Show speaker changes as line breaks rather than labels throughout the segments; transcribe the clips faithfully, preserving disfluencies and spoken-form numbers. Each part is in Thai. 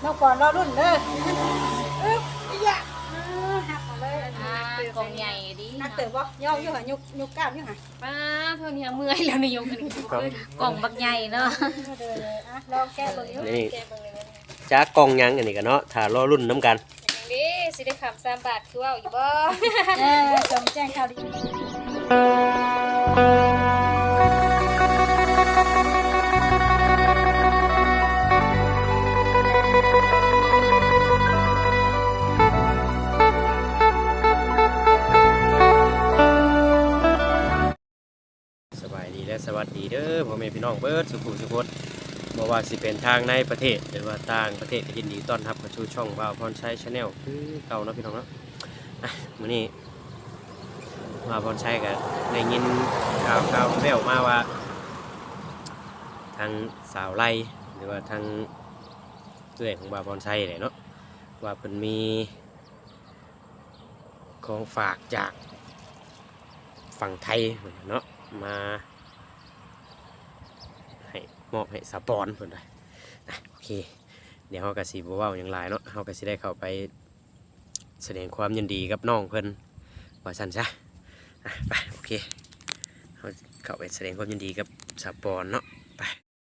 น้องปอนรอรุ่นเด้ออึ๊บอีหยะหักมาเลย
อ่ากองใหญ่ดิ
นักเตะบ่ย่องอยู่หะยุกยุกก้าวอยู่หะ
ป้าเท่านี้เมื่อยแล้วนี่ยกอันนี้กล่องบักใหญ่เนาะ
เด้อเลยอ่ะลองแก้เบิ่งอยู่
นี่
แกเบิ่งเลย
จ้ากองยังอันนี้กันเนาะถ้ารอรุ่นน้ำกัน
อย่างนี้สิได้คำสามบาทคือว่าอยู่บ่
เออจงแจ้งข่าวดี
สบายดีและสวัสดีเด้อพ่อแม่พี่น้องเบิร์ดสุขุสุขนบ่ว่าสิเป็นทางในประเทศหรือว่าต่างประเทศก็ยินดีต้อนรับเข้าสู่ช่องบ่าวพรชัย Channel คือเก่าเนาะพี่น้องเนาะอ่ะมื้อนี้บ่าวพรชัยก็ได้ยินข่าวข่าวแว่วมาว่าทางสาวไร่หรือว่าทางเอื้อยของบ่าวพรชัยนี่เนาะว่าเพิ่นมีของฝากจากฝั่งไทยเนาะมาให้มอบให้สปอนเพิ่นได้นะโอเคเดี๋ยวเฮาก็สิบ่เว้าหยังหลายเนาะเฮาก็สิได้เข้าไปแสดงความยินดีกับน้องเพิ่นว่าซั่นซะอ่ะไปโอเคเฮาเข้าไปแสดงความยินดีกับสปอนเนาะไป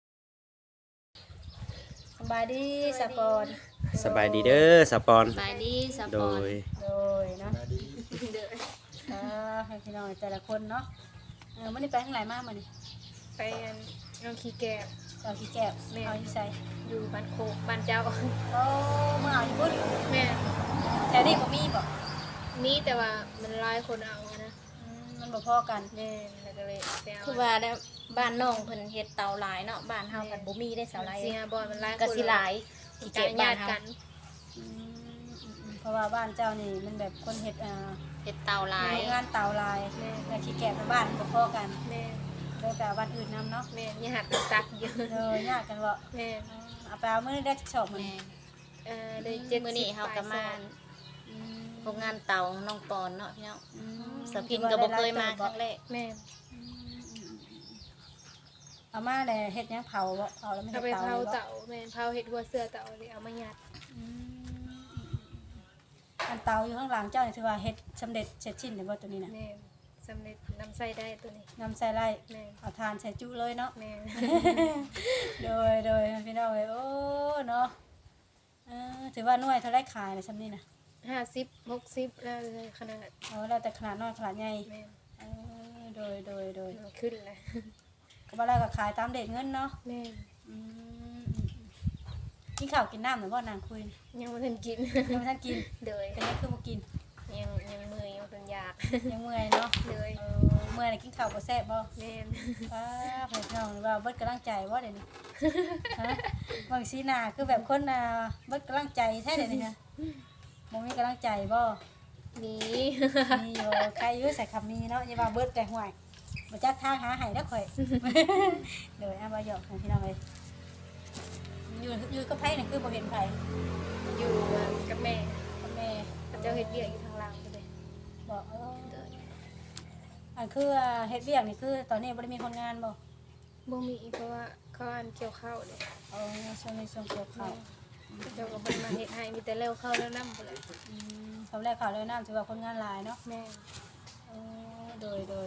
สบายดีสปอน
สบายดีเด้อสปอน
สบายดีส
โด
ปอน
ย
โดยเนาะ
เด้อ
เออให้พี่น้องแต่ละคนเนาะเออมื้อนี้ไปทางไหนมามื้อนี้
ไปอันน้องขี้แก่
เอาขี้แก้วเอาอีใส่
อยู่บ้านโคกบ้านเจ้า
โอ้เมื่อเอาอีบุญ
แม่
แถวนี้บ่มีบ่
มีแต่ว่ามันหลายคนเอานะ
อืมมันบ่พอกัน
แม่แล้วก็เลยไปเอา
คือว่าแล้วบ้านน้องเพิ่นเฮ็ดเตาหลายเนาะบ้านเฮากันบ่มีได้เสาหลาย
เสียบอลมันหลายคน
ก็สิหลาย
ที่
ที่
เก็
เก็
บบ ญา
บ้าน
ติ
เฮา
กัน
อืมอืมอืมเพราะว่าบ้านเจ้านี่มันแบบคนเฮ็ดอ่า
เฮ็ดเตาหลาย
งานเตาลายและขี้แกะในบ้านบ่พอกัน
แม่
เลยแต่วันอื่นนํเนาะ
แม่ญาติมันตักเยอะ
เออยากกันบ่
แม่
อืมเอาไปเอามื้อนี้ได้จักชอบมื้อ
แม่
นี้
เอ่อได้เจ็ด
มื้อนี้เฮาก็มา
อืม
โรงงานเตาน้องปอนเนาะพี่น้อง
อืม
สะพินก็บ่เคยมาครั้งแรก
แม่
อืมอืมอืมเอามาแล้วเฮ็ดหยังเผาบ่เผาแล้วไม่
เอา
เฮ็ด
ไป
เตา
เผา
เลยบ่
เต่าแม่เผาเห็ดหัวเสือเต่าเลยเอามายัด
อืมอันเตาอยู่ข้างหลังเจ้านี่ถือว่าเฮ็ดสำเร็จเสร็จสิ้นแล้วบ่ตัวนี้น่ะ
แม่สำเร็จนำใส่ได้ตัวนี้
นำใส่ไร่
แม่
เอาทานใส่จุเลยเนาะ
แม่
โดยโดยพี่น้องเอ้ยโอ้เนาะเออถือว่าหน่วยเท่าไรขายเลยซำนี้น่ะ
ห้าสิบหกสิบแล้วเลยขนาด
เอาแล้วแต่ขนาดน้อยขนาดใหญ่
แม่
เออโดยโดยโดย
มันขึ้นเลย
ก็บ่แล้วก็ขายตามเด็ดเงินเนาะ
แม่
อืมอืมอืมกินข้าวกินน้ำหรือบ่นางคุย
ยังไม่ทันกิน
ยังไม่ทันกิน
เลย
เป็นยังคือบ่กิน
ยังยังมือยังเป็นอยาก
ยังเมื่อยเนาะ
เลย
เออเมื่อยนี่กินข้าวบ่แซ่บบ่
แม่
ป้าเพิ่นน้องนี่ว่าเบิดกำลังใจบ่เดี๋ยวนี้ฮะบางสีหน้าคือแบบคนน่ะเบิดกำลังใจแท้เดี๋ยวนี้ฮะบ่มีกำลังใจบ่
นี่
มีอยู่ใครอยู่ใส่คำมีเนาะอย่าว่าเบิดแต่ห่วยบ่จักทางหาให้แล้วข่อย เดี๋ยวเอาบ่หยอกให้พี่น้องเอ้ยอยู่อยู่กับไผนี่คือบ่เห็นไผ
อยู่กับแม่
กับแม่
เจ้าเห็ดเบี้ยอยู่ทางหลังเลย
บอกเอออันคือเฮ็ดเวียกนี่คือตอนนี้บ่ได้มีคนงานบ่
บ่มีเพราะว่าเขาอันเกี่ยวข้าวเลย
เออช่วงนี้ช่วงเกี่ยวข้าว
เจ้ากับคนมาเห็ดให้มีแต่เร็วเข้าแล้วน้ำไปเลย
อืมคำแรกข่าวเลยน้ำถือว่าคนงานหลายเนาะ
แม่
เออโดยโดย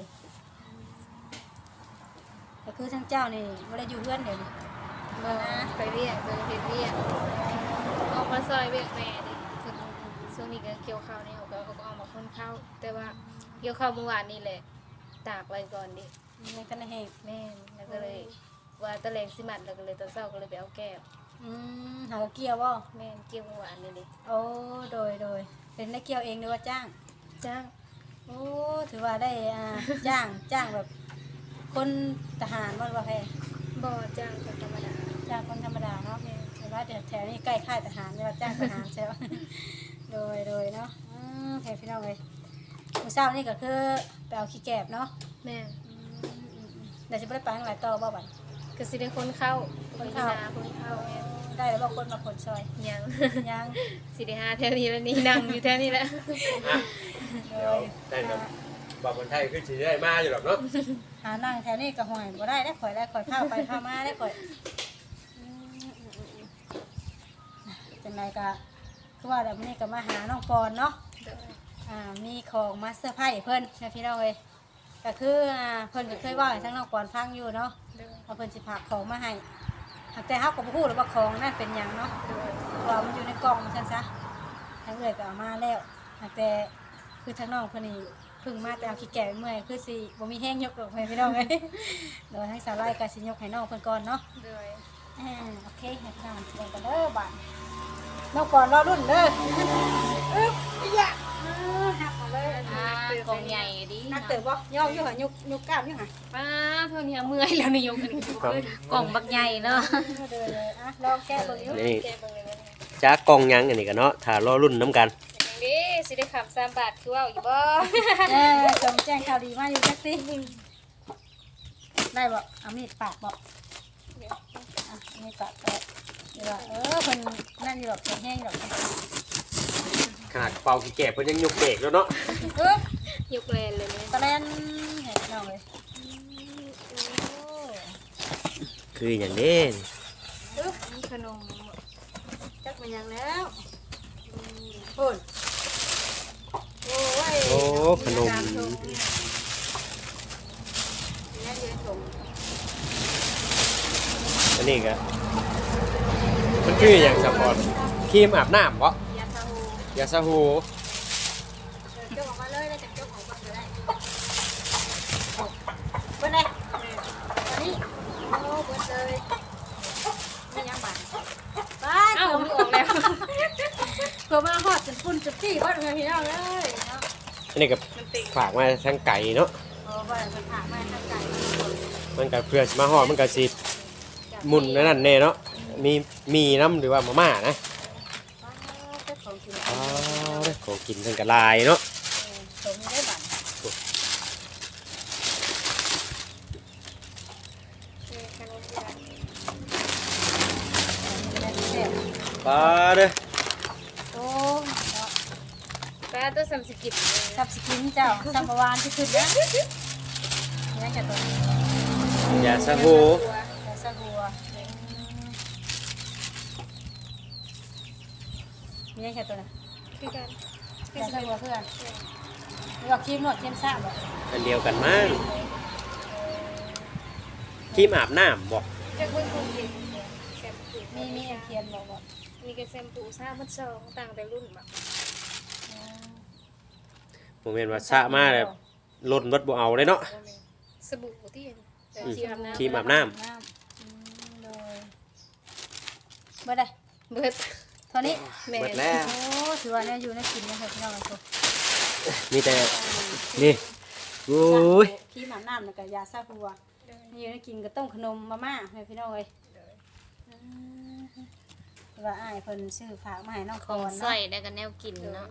ก็คือทั้งเจ้านี่บ่ได้อยู่เพื่อนเดี๋ยวนี้
มาไปเรียกไปเห็ดเรียกออกมาซอยเวียกแม่ดิคือช่วงนี้ก็เกี่ยวข้าวนี่เขาก็เขาก็ออกมาคนข้าวแต่ว่าเกี่ยวข้าวเมื่อวานนี่แหละตากไว้ก่อนดิ
ในกันในแห่ง
แม่แล้วก็เลยว่าตะแลงสิมัดแล้วก็เลยตอนเช้าก็เลยไปเอาแก้ว
อืมหากเกี่ยวบ่
แม่เกี่ยวเมื่อวานนี่ดิ
โอ้โดยโดยเป็นได้เกี่ยวเองหรือว่าจ้าง
จ้าง
โอ้ถือว่าได้อ่าจ้างจ้างแบบ คนทหารบ่หรือว่าแพ
บ่จ้างก็ธรรมดา
จ้างคนธรรมดาเนาะแต่ว่าเดี๋ยวแถวนี้ใกล้ค่ายทหารเรียกว่าจ้างทหารใช่ไหม โดยโดยเนาะอืมแถวพี่น้องเลยมื้อเช้านี่ก็คือไปเอาขี้แกบเนาะ
แม่
อืมอืมอืมเดี๋ยวจะไปไปทางไหนต่อบ่บัด
ก็สิได้คนเข้า
คนเข้า
หคนเข้าแม่
ได้แล้วบ่คนมาคนซอย
ยัง
ยัง
สิได้หาแถวนี้แล้วนี่นั่งอยู่แถวนี้แล้ว
อ่ะ
โด
เดี๋ยวย ได้ครับบ่าวคนไทยคือสิได้มาอยู่หรอกเนาะ
หานั่งแถวนี้ก็ห่วยบ่ได้ได้ข่อยได้ข่อยพาไปพามาได้ข่อยอืมอืมอืมอืมจังไดก็คือว่าแบบนี้ก็มาหาน้องปอนเนาะ
โดย
อ่ามีของมาเซอร์ไพรส์เพิ่นนะพี่น้องเอ้ยก็คืออ่าเพิ่นก็เคยเว่าให้ทั้งน้องปอนฟังอยู่เนาะ
โดย
ว่าเพิ่นสิฝากของมาให้หากแต่เฮาก็บ่ฮู้หรอกว่าของนั่นเป็นหยังเนาะ
โดย
เพราะว่ามันอยู่ในกล่องซั่นซะทางเอื้อยก็เอามาแล้วหากแต่คือทั้งน้องเพิ่นนี่เพิ่งมาแต่เอาขี้แก่เมื่อยคือสิบ่มีแห้งยกดอกให้พี่น้องเอ้ย โดยทั้งสาวไร่ก็สิยกให้น้องเพิ่นก่อนเนาะ
โดย
อ่าโอเคให้พี่น้องเบิ่งกันเด้อบัดน้องก่อนรอรุ่นเด้ออึ๊บอีหยะอ่าหักมาเลย
อ่ากองใหญ่ดิ
นักเต๋อบ่ย่ออยู่หะยุกยุกกล้ามอยู่หะ
ป้าเท่านี้เมื่อยแล้วนี่ยกขึ้น
ครับ
กล่องบักใหญ่เนาะ
เด้อเลยอ่ะลองแก้เบิ่งอยู่
นี่
แกเบิ่งเลยว่า
จ้ากองหยังอันนี้กันเนาะถ้ารอรุ่นน้ำกัน
อย่างนี้สิได้ขับสามบาทคือว่าอยู่บ่
เออจงแจ้งข่าวดีมาอยู่จักสิได้บ่เอามีดปาดบ่อ่ะมีดปาดก็เดี๋ยวว่าเออเพิ่นนั่นอยู่ดอกเพิ่นแห้งอยู่ดอก
ขนาดเป่าขี้แก่เพิ่นยังยกเบรกแล้วเนาะ
อึ๊บ
ยกแรงเลยเนี่ย
ตะแลนเห็นน้องเลย
คืออย่างนี้
อึ๊บ
ขนม
จักมันยังแล้วพุ่นโอ้ย
โอ้ขนม
นี่อยู่ในถุง
อันนี้ก็มันคืออย่างสปอร์ตครีมอาบน้ำบ่
ยาซาฮู
ยาสระหู
เจ้าออกมาเลยแล้วจะเจ้าของบ้านก็ได้เบิ้ลเลยอันนี้โอ้เบิ้ลเลยไม่ยังบาดบ้าน
เอ้า
เผื่อ
มันออกแล้ว
เผื่อมาหอดจนฝุ่นจุดที่บ้านเพื่อนพี่น้องเลยเนาะ
อันนี้ก็
มันติด
ฝากมาทางไก่เนาะ
โอ้บ้านมันถามมาทางไก่
มันก็เพื่อสิมาฮอดมันก็สิหมุนนั่นแน่เนาะมีมีน้ำหรือว่ามาม่านะ
เจ้าของกิน
อ้าวเด้อของกินเพิ่นก็หลายเนาะ
สมได้บัตร
ขนมยา
ได้แซ่บ
ปลาเด้อ
โอ้เนาะ
ป้าตัวสามสิบกิบเลย
สับสกินเจ้าสัมปวานที่ขึ้นนะนี่จะตัวนี้
ยาสระหู
ยาสะหัวมีแค่ตัวนะ
คือกัน
ยาสะหัวเพื่อนนี่ก็ครีมหนวดครีมซ่าบ่
อันเดียวกันมั้งครีมอาบน้ำบ่
จะเพิ่งคงกินแซมปู
มีมีอันเทียนบ่บ่
มีกระแซมปูซ่าพัดซองต่างแต่รุ่นแบบ
ผมเห็นว่าสระมาแบบล้นเบิดบ่เอาเลยเนาะ
สบู่ที่
อืม
ที่อาบน้ำ
ครีมอาบน้ำ
น้ำอืมเลยเบิดได้
เบิด
เท่านี้
แม่
เบิดแล้ว
โอ้ถือว่าเนี่ยอยู่ในกินนะครับพี่น้องทุก
มีแต่นี่โอ้ย
ครีมอาบน้ำแล้วก็ยาสระหัวนี่อยู่ในกินก็ต้มขนมมาม่าให้พี่น้องเอ้ยอืมแต่ว่าอ้ายเพิ่นซื้อฝากมาให้น้อง
ข
ค
อง
อน
ใส่
เนาะ
ได้กันแนวกินเนาะ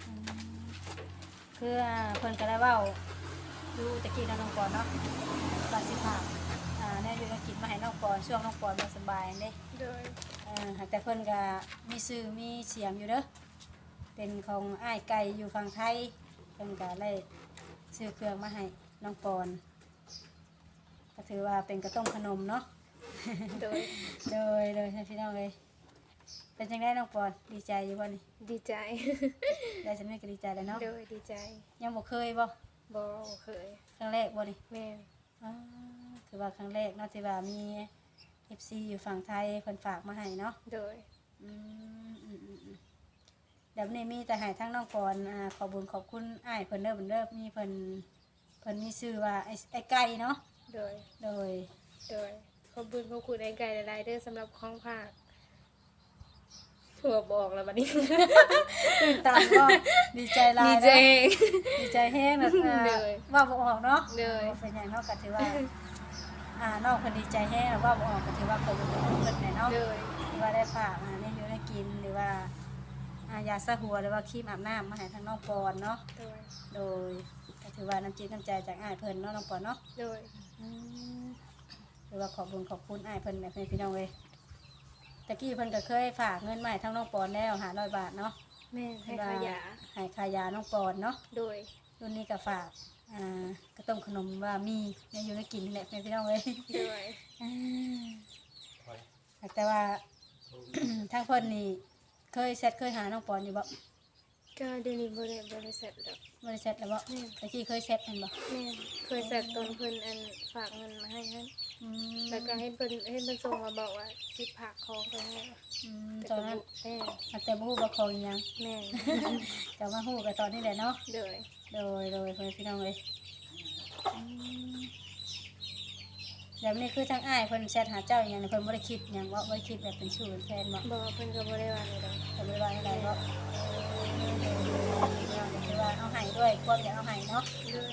คืออ่าเพิ่นก็ได้เว้าดูตะกี้น้องก่อนเนาะว่าสิฝากอ่าแน่อยู่ในกินมาให้น้องก่อนช่วงน้องก่อนบ่สบายเด้
โดย
เอ่อหากแต่เพิ่นก็มีชื่อมีเสียงอยู่เด้อเป็นของอ้ายไก่อยู่ฝั่งไทยเพิ่นก็เลยซื้อเครื่องมาให้น้องปอนก็ถือว่าเป็นกระต้มขนมเนาะ
โดย
โดยโดยให้พี่น้องเลยเป็นจังไดน้องปอนดีใจอยู่บ่นี่
ดีใจ
ได้สำเร็จก็ดีใจแล้วเนาะ
โดยดีใจ
ยังบ่เคยบ่
บอเคย
ครั้งแรกบ่นี่
แม่
อ๋อถือว่าครั้งแรกเนาะที่ว่ามี เอฟ ซี อยู่ฝั่งไทยเพิ่นฝากมาให้เนาะ
โดย
อืมอืมอืมอืมเดี๋ยวนี้มีแต่ให้ทั้งน้องปอนอ่าขอบุญขอบคุณอ้ายเพิ่นเด้อเพิ่นเด้อมีเพิ่นเพิ่นมีชื่อว่าไอ้ไอ้ไก่เนาะ
โดย
โดย
โดยขอบคุณขอบคุณไอ้ไก่หลายๆเด้อสำหรับของภาคถั่วบอกแล้วบัดนี้
ตื่นตันก็ดีใจหลา
ดี
ย
ใจ
เนาะดีใจแฮงแบบอ่า
เลย
ว่าบ่ออกเนาะ
เลย
เป็นหยังเนาะก็ถือว่าอ่าน้องเพิ่นดีใจแฮงแล้วว่าบ่ออกก็ถือว่าขอบคุณขอบคุณเพิ่นแหละเนาะ
โดย
ที่ว่าได้ฝากอ่าเนี่ยอยู่ได้กินหรือว่าอ่ายาสระหัวหรือว่าครีมอาบน้ำมาให้ทางน้องปอนเนาะ
โดย
โดยก็ถือว่าน้ำจิตน้ำใจจากอ้ายเพิ่นเนาะน้องปอนเนาะ
โดย
อืมหรือว่าขอบคุญขอบคุณอ้ายเพิ่นแบบนี้พี่น้องเว้ยตะกี้เพิ่นก็เคยฝากเงินมาให้ทางน้องปอนแล้วห้าร้อยบาทเนาะ
แม่ให้ขายา
ให้ขายาน้องปอนเนาะ
โดย
รุ่นนี้ก็ฝากอ่าก็ต้มขนมว่ามีเนี่ยอยู่ในกินนี่แหละพี่น้องเว้ย
โดย
อ่าแต่ว่า ทางเพิ่นนี่เคยแชทเคยหาน้องปอนอยู่บ่
ก็เดี๋ยวนี้บ่ได้บ่ได้แซดดอก
บ่ได้แชทแล้วบ่ตะกี้เคยแชทแม่นบ่
แม่นเคยแซดตอนเพิ่นอันฝากเงินมาให้นั้น
อืม
แล้วก็ให้เพิ่นให้เพิ่นส่งมาบอกว่าสิฝากของไปให้
อืมตอนนั้น
แม่
แต่บ่ฮู้ว่าของอีหยัง
แม่
ก็มาฮู้กันตอนนี้แหละเนาะ
โดย
โดยโดยเพื่อนพี่น้องเลยอืมแบบนี้คือทางอ้ายเพิ่นแชทหาเจ้าอย่างนี้เพิ่นบ่ได้คิดหยังว่าบ่ได้คิดแบบเป็นชู้เป็นแฟนบ่
บอกว่าเพิ่นก็บ่ได้ว่าอะไรดอก
ก็บ่ได้ว่าอะไรเนาะพี่น้องก็คือว่าเอาให้ด้วยความอยากเอาให้เนาะ
ด้วย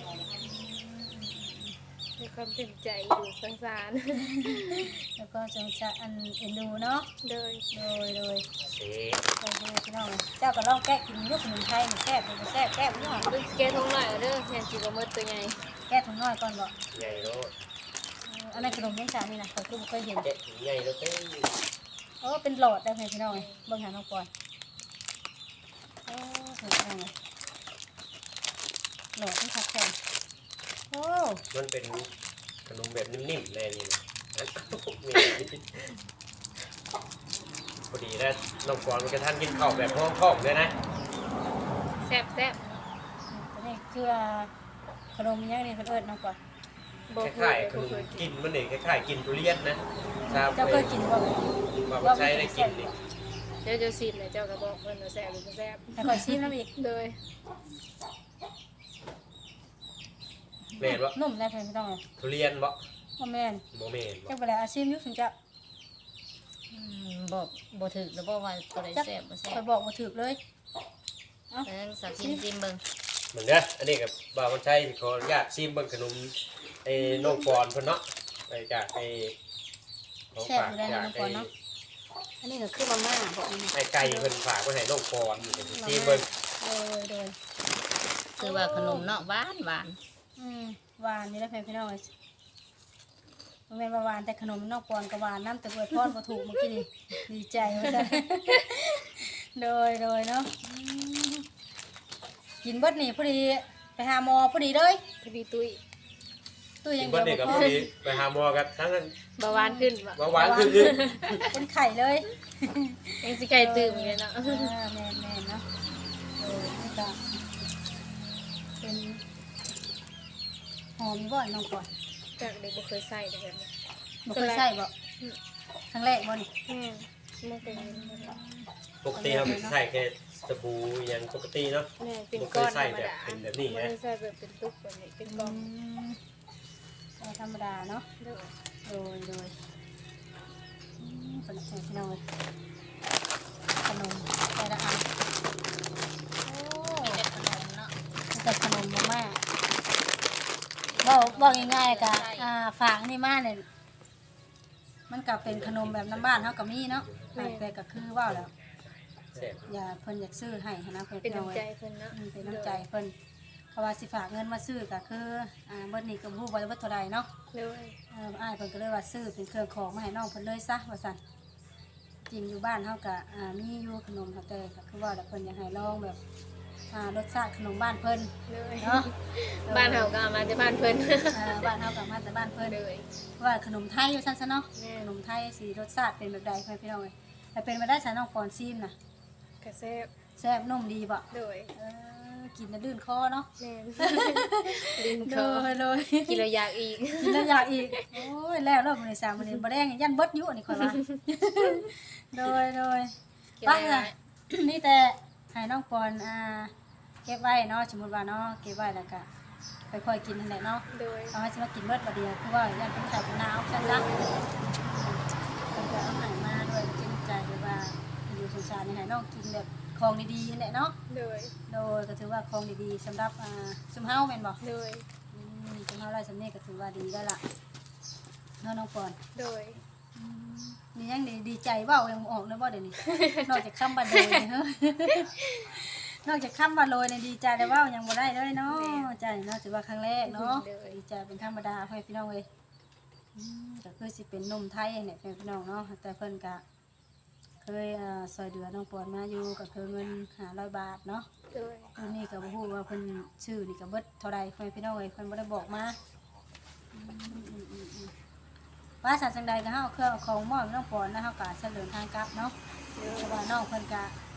มีความเต็มใจอยู่สงสาร
แล้วก็จงจะอันเอ็นดูเนาะ
โดย
โดยโดย
เซ่
โดยพี่น้องเจ้าก็ลองแกะกินยุคขนมไทยนี่แซ่บเป็นแซ่บแก้บ่เนาะ
เพิ่นสิแก้ท้องหน่อยเด้อแม่นสิบ่หมดตัวใหญ่
แก้ถุงน้อยก่อนบ่
ใหญ่โลด
เอออันนั้นขนมยังจานนี่นะข้อยคือบ่เคยเห็น
แกะถึงใหญ่โลดเต้
โอ้เป็นหลอดได้ไหมพี่น้องเอ้ยเบิ่งหาน้องปอนโอ้สวยจังเลยหลอดที่คัดแข็งโอ้
มันเป็นขนมแบบนิ่มๆเลยนี่นะอันพอดีแล้วน้องปอนมันกระทันกินข้าวแบบห้องท้องเลยนะ
แซ่บแซ่บ
ตัวนี้คือขนมยังนี่เพิ่นเอิ้นน้องปอน
บ่
ค
เค
ล้าย
ย
ๆข
บ่
นม
เคย
กิ
กิน
นมันนี่คล้ายๆกินทุเรียนนะทราบ
เจ้าเคยกินบ่
ว่ามันใช้ได้กินนี่
เดี๋ยวจะชิมเลยเจ้าก็บอกเพิ่นว่าแซ่บหรือบ่แซ่บ
แต่ข่อยชิมน้ำอีก
โดย
แม่นบ่
นุ่มได้เพิ่นพี่น้องเอ้ย
ทุเรียนบ่
บ่แม่น
บ่แม่นบ่
จักบ่ได้อาชิมอยู่ถึงจะ
อืมบอกบ่ถึกแล้วบอกว่าตัวใด
จัก
แซ่บบ่แซ่
ข่อบ ยบอกบ่ถูกเลย
เอิ้นสักกินซิมเบิ่ง
เหมือนเด้ออันนี้กับบ่าวคนใช้ขออนุญาตชิมเบิ่งขนมไอ้น้องปอนเพิ่นเนาะไปจากไอ้ของฝากจากไอ้
อันนี้ก็คือมาม่าบอกอันนี้
ไอ้ไก่เพิ่นฝากไว้ให้น้องปอนอยู่ชิมเบิ่ง
โดยโดย
คือว่าขนมเนาะหวานหวาน
อืมหวานนี่แหละเพื่อนพี่น้องเอ้ยบ่แม่นว่าหวานแต่ขนมนอกปอนก็หวานน้ำแต่เบิดพรบ่ถูกเมื่อกี้นี่ดีใจว่าซั่น โดยโดยเนาะอืมกินเบิดนี่พอดีไปหาหมอพอดีเลย
พอดีตุ้ย
ตู้ยั
กิ
ง
น
เดี
เบิ่
ยว
นี่ก็
บ่
พ
พ
อ
อ
ดีไปหาหมอกันทั้งนั้น
เบาหวานขึ้นบ่
เบาหวานขึ้นขึ้น
เป็นไข่เลย
ยังสิไก่ตื่มอยู่เลยเนาะ
อ่าแม่นแม่นเนาะโดยนี่ก็เป็นหอมบ่น้องก่อน
จากเด็กบ่เคยใส่เด้อแบบนี้
บ่เคยใส่บ่ครั้งแรกบ่นี่
แม่นบ่เคยเห็นบ่ได้
ปกติเราใส่แค่สบู่อย่างปกติเนาะ
แม่นเป็น
บ่เค
ก้อย นธ
ใส่
รรม
แบบ
ดา
เป็นแบบนี้
บ่
นะ
ได้ใส่แบบเป็นตุ๊กแบบนี้เป็นก้อน
ก็ธรรมดาเนาะ
เด้อ
โดยโดยอืมขนมพี่น้องเลยขนมแต่ละอันโอ้
มีแต่ขนมเนาะ
แต่ขนมมากๆบอกบอกง่ายๆกะอ่าฝากนี่มาเนี่ยมันก็เป็นขนมแบบน้ำบ้านเขาก็มีเนาะแต่ก็คือว่าแล้ว
แซ่บ
อย่าเพิ่นอยากซื้อให้หั้นนะเพิ่น
เป็น
พี่น้อง
น้ำใจ
เอ้ย
เพิ่นเนาะ
อืมเป็นน้ำใจเพิ่นเขาว่าสิฝากเงินมาซื้อก็คืออ่าเบิดนี้ก็บ่ฮู้ว่าเบิดเท่าใดเนาะ
เด้อ
เอออ้ายเพิ่นก็เลยว่าซื้อเป็นเครื่องของมาให้น้องเพิ่นเลยซะว่าซั่นจริงอยู่บ้านเฮาก็อ่ามีอยู่ขนมค่ะแต่ก็คือว่าแล้วเพิ่นอยากให้ลองแบบอ่ารสชาติขนมบ้านเพิ่น
เด้อ
เนาะ
บ้านเฮาก็เอามาจากบ้านเพิ่น
อ่าบ้านเฮาก็มาแต่บ้านเพิ่น
เด้อ
ว่าขนมไทยอยู่ซั่นซะเนาะ
แม่
ขนมไทยสิรสชาติเป็นแบบใดเพิ่นพี่น้องเอ้ยแต่เป็นมาได้ซะน้องปอนซีมน่ะ
กระแซ่บ
แซ่บนุ่มดีบ่
เด้อ
เออกินแล้วลื่นคอเนาะ
แม่นลิ้น
โด
คอย
โดย
กินแล้วอยากอีก
กินแล้วอยากอีกโอ้ยแล้วรอบมื้อนี้สามมื้อนี้บ่แดงยันเบิดอยู่อันนี้ข่อยว่า โดยโดย
กิน
ป้า
แล้ว
น่ะ นี่แต่ให้น้องปอนอ่าเก็บไว้เนาะสมมุติว่าเนาะเก็บไว้แล้วก็ไปค่อยกินนั่นแหละเนาะ
โดย
เอาให้สิมากินเบิดบัดเดียวคือว่ายันเป็นไข่เป็นหนาวซั่นซะเพิ่นก็เอาให้มาด้วยจริงใจด้วยว่าอยู่สงสารนี่ให้น้องกินแบบของดีๆนั่นแหละเนาะ
โดย
โดยก็ถือว่าของดีๆสำหรับอ่าซุมเฮาแม่นบ่
โดย
อืมซุมเฮาได้สำนี้ก็ถือว่าดีได้วล่ะเนาะน้องปอน
โดย
นี่ยังดีดีใจเว่ายังบ่ออกเลยว่าเดี๋ยวนี้ นอกจากคำบันโดยนี่เฮ้ย นอกจากคำบันโดยเนี่ยดีใจแต่ว่ายังบ่ได้เลยเนาะใจเนาะถือว่าครั้งแรกเนาะดีใจเป็นธรรมดาให้พี่น้องเลยอืมก็คือสิเป็นนมไทยเนี่ยเป็นพี่น้องเนาะแต่เพิ่นก็เคยเอ่อซอยเดือน้องปอนมาอยู่ก็คือเงินห้าร้อยบาทเนาะ
โดย
อันนี้ก็บ่ฮู้ว่าเพิ่นชื่อนี่ก็เบิดเท่าใดให้พี่น้องเลยเพิ่นบ่ได้บอกมาอืมอืมอืมอืมว่าสัตว์จังใดก็เฮาเครื่องเอาของมอบให้น้องปอนนะเฮาก็เสนอทางกลับเนาะ
โดย
เพราะว่าน้องเพิ่นก็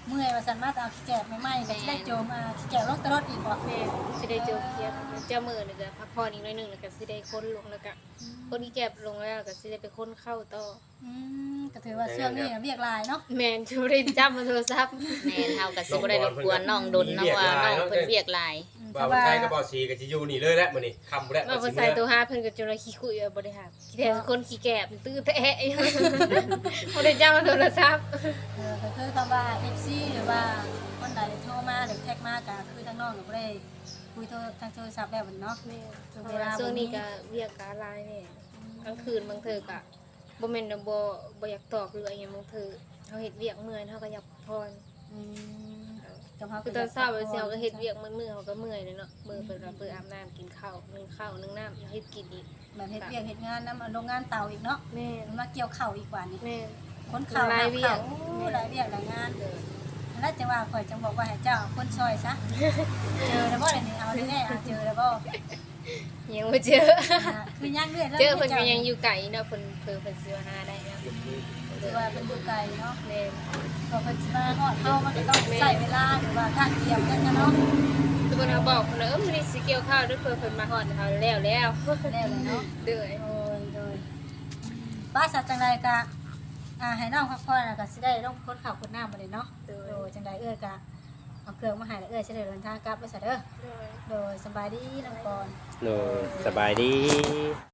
เมื่อยว่าซั่นมาแต่เอาขี้แกบใหม่ๆก็สิได้โจมอ่าขี้แกบลงตลอดอีกบ่
แม่สิได้เจอเครียดเจ้ามือนี่ก็พักผ่อนอีกหน่อยหนึงแล้วก็สิได้ค้นลงแล้วก็คนที่เก็บลงแล้วก็สิได้ไปค้นเข้าต่อ
อืมก็ถือว่าช่วงนี้เรียกหลายเนาะ
แม่นชูได้จับมาโทรศัพท์
แม่นเฮาก็สิบ่ได้รบกวนน้องดนเนาะว่าน้องเพิ่นเวียกหลาย
อืม
บ่าวไทยกับบ่าวสีก็สิอยู่นี่เลยแหละมื้อนี้ค่ำบ่ได้
มาบ่ใส่ตัวหาเพิ่นก็จนว่าขี้คุยบ่ได้หาขี้แท้คนขี้แกบตื้อแท้ บ่ได้จับมาโทรศัพท์
เออก็คือคำว่า เอฟ ซี หรือว่าคนใดโทรมาหรือแท็กมาก็คือทางน้องก็บ่ได้คุยโทรทางโทรศัพท์แล้วเนาะ
แม่เพราะว่าช่วงนี้ก็เวียกการลายแน่กลางคืนบางเทื่อก็บ่แม่นว่าบ่บ่อยากตอบหรืออะไรหยังบางเทื่อเฮาเฮ็ดเวียกเมื่อยเฮาก็อยากพักผ่อน
อืมจังเขา
คือตอนเช้าไปเช้าก็เฮ็ดเวียกมื้อๆเฮาก็เมื่อยเลยเนาะมื้อเพิ่นก็เปิดอาบน้ำกินข้าวนึ่งข้าวนึ่งน้ำเฮ็ดกินอีก
แบบเฮ็ดเวียกเฮ็ดงานนำโรงงานเตาอีกเนาะ
แม่
มันมาเกี่ยวข้าวอีกว่านี่
แม่
คนข้าว
หลายเวียก
โอ้หลายเวียกหลายงานแล้วจังว่าข่อยจังบอกว่าให้เจ้าเอาคนซอยซะเจอแล้วบ่เดี๋ยวนี้เอาแน่ๆเอาเจอแล้วบ่
ยังบ่เจอ
อ่าคือยังเรื่อยแล้ว
เจอเพิ่นก็ยังอยู่ไกลเนาะเพิ่นเพิ่นเพิ่นสิมาหาได้เนาะ
ถือว่าเป็นอยู่ไกลเนาะ
แม่
พอเพิ่นสิมาฮอดเฮามันก็ต้องใช้เวลาหรือว่าทางเตรียมกันนะเนาะ
ทุกคนก็บอกเพิ่นว่าเออมื้อนี้สิเกี่ยวข้าวเด้วยเพิ่นเพิ่นมาฮอดเฮาแล้วแล้ว
แล้วเลยเนาะ
เด้อ
โดยโดยป้าสัตว์จังใดกะอ่าให้น้องพักผ่อนแล้วก็สิได้ลงคนข่าวคนน้ำมาเลยเนาะ
เด้อ
โดยจังใดเอื้อกะเอาเครื่องมาให้แล้วเอื้อสิได้เดินทางกลับไปซะเด้อ
เด้อ
โดยสบายดีน้องปอน
โดยสบายดี